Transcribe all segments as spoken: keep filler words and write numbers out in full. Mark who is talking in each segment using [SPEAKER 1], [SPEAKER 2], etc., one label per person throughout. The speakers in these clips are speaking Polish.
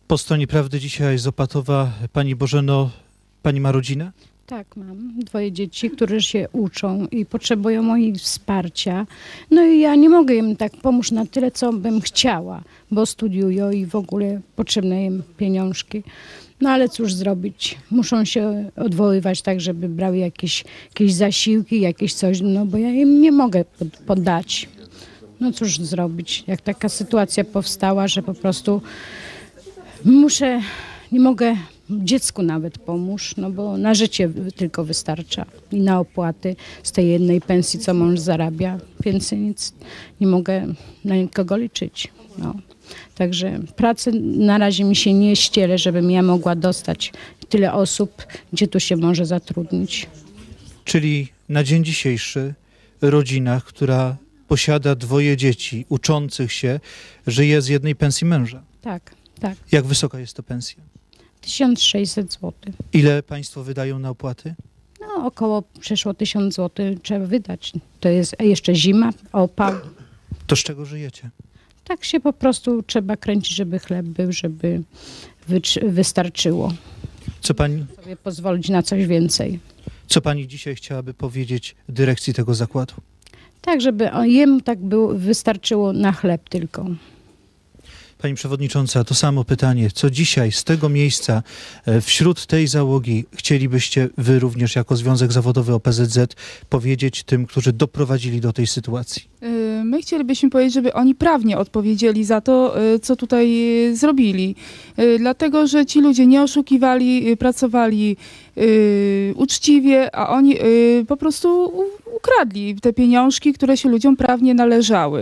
[SPEAKER 1] Po stronie prawdy dzisiaj z Opatowa. Pani Bożeno, pani ma rodzinę?
[SPEAKER 2] Tak, mam dwoje dzieci, które się uczą i potrzebują mojego wsparcia. No i ja nie mogę im tak pomóc na tyle, co bym chciała, bo studiują i w ogóle potrzebne im pieniążki. No ale cóż zrobić? Muszą się odwoływać tak, żeby brały jakieś, jakieś zasiłki, jakieś coś, no bo ja im nie mogę pod, poddać. No cóż zrobić, jak taka sytuacja powstała, że po prostu muszę, nie mogę dziecku nawet pomóż, no bo na życie tylko wystarcza i na opłaty z tej jednej pensji, co mąż zarabia. Więcej nic nie mogę na nikogo liczyć. No. Także pracy na razie mi się nie ściele, żebym ja mogła dostać tyle osób, gdzie tu się może zatrudnić.
[SPEAKER 1] Czyli na dzień dzisiejszy rodzina, która posiada dwoje dzieci uczących się, żyje z jednej pensji męża.
[SPEAKER 2] Tak, tak.
[SPEAKER 1] Jak wysoka jest to pensja?
[SPEAKER 2] tysiąc sześćset złotych.
[SPEAKER 1] Ile państwo wydają na opłaty?
[SPEAKER 2] No około przeszło tysiąc złotych trzeba wydać. To jest jeszcze zima, opał.
[SPEAKER 1] To z czego żyjecie?
[SPEAKER 2] Tak się po prostu trzeba kręcić, żeby chleb był, żeby wystarczyło.
[SPEAKER 1] Co pani,
[SPEAKER 2] Sobie pozwolić na coś więcej.
[SPEAKER 1] co pani dzisiaj chciałaby powiedzieć dyrekcji tego zakładu?
[SPEAKER 2] Tak, żeby jemu tak było, wystarczyło na chleb tylko.
[SPEAKER 1] Pani przewodnicząca, to samo pytanie. Co dzisiaj z tego miejsca, wśród tej załogi chcielibyście wy również jako Związek Zawodowy O P Z Z powiedzieć tym, którzy doprowadzili do tej sytuacji?
[SPEAKER 3] My chcielibyśmy powiedzieć, żeby oni prawnie odpowiedzieli za to, co tutaj zrobili. Dlatego, że ci ludzie nie oszukiwali, pracowali uczciwie, a oni po prostu ukradli te pieniążki, które się ludziom prawnie należały.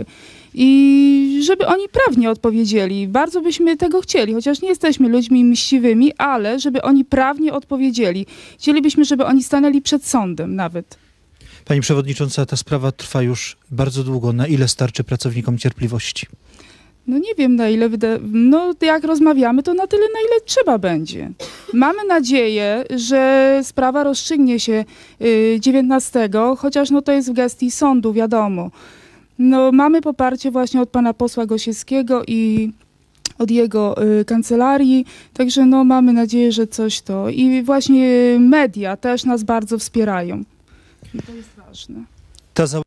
[SPEAKER 3] I żeby oni prawnie odpowiedzieli. Bardzo byśmy tego chcieli, chociaż nie jesteśmy ludźmi mściwymi, ale żeby oni prawnie odpowiedzieli. Chcielibyśmy, żeby oni stanęli przed sądem nawet.
[SPEAKER 1] Pani przewodnicząca, ta sprawa trwa już bardzo długo. Na ile starczy pracownikom cierpliwości?
[SPEAKER 3] No nie wiem, na ile, wyda- no jak rozmawiamy, to na tyle, na ile trzeba będzie. Mamy nadzieję, że sprawa rozstrzygnie się dziewiętnastego, chociaż no to jest w gestii sądu, wiadomo. No, mamy poparcie właśnie od pana posła Gosiewskiego i od jego y, kancelarii, także no, mamy nadzieję, że coś to. I właśnie media też nas bardzo wspierają. I to jest ważne.
[SPEAKER 1] Ta